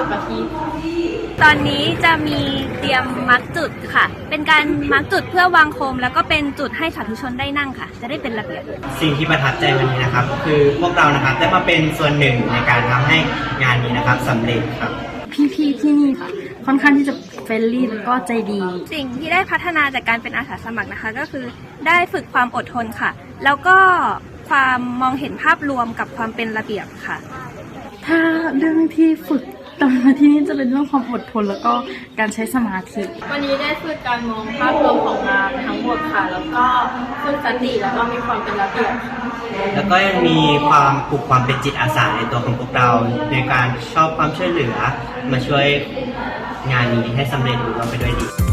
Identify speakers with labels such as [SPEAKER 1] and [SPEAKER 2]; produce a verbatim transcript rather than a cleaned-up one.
[SPEAKER 1] กะทิ
[SPEAKER 2] ตอนนี้จะมีเตรียมมาร์กจุดค่ะเป็นการมาร์กจุดเพื่อวางโคมแล้วก็เป็นจุดให้สาธุชนได้นั่งค่ะจะได้เป็นระเบียบ
[SPEAKER 3] สิ่งที่ประทับใจวันนี้นะครับคือพวกเรานะครับได้มาเป็นส่วนหนึ่งในการทำให้งานนี้นะครับสำเร็จครับ
[SPEAKER 1] พี่ๆที่นี่ค่ะค่อนข้างที่จะเฟรนลี่แล้วก็ใจดี
[SPEAKER 2] สิ่งที่ได้พัฒนาจากการเป็นอาสาสมัครนะคะก็คือได้ฝึกความอดทนค่ะแล้วก็ความมองเห็นภาพรวมกับความเป็นระเบียบค่ะ
[SPEAKER 1] ถ้าเรื่องที่ฝึกตอนมาที่นี่จะเป็นเรื่องความอดทนแล้วก็การใช้สมาธิ
[SPEAKER 4] วันนี้ได้ฝึกการมองภาพรวมของงานทั้งหมดค่ะแล้วก็ฝึกสติแล้วก็มีความเป็นระเบียบ
[SPEAKER 3] แล้วก็ยังมีความปลูกความเป็นจิตอาสาในตัวของพวกเราในการชอบความช่วยเหลือมาช่วยงานนี้ให้สำเร็จรุ่งเรืองไปด้วยดี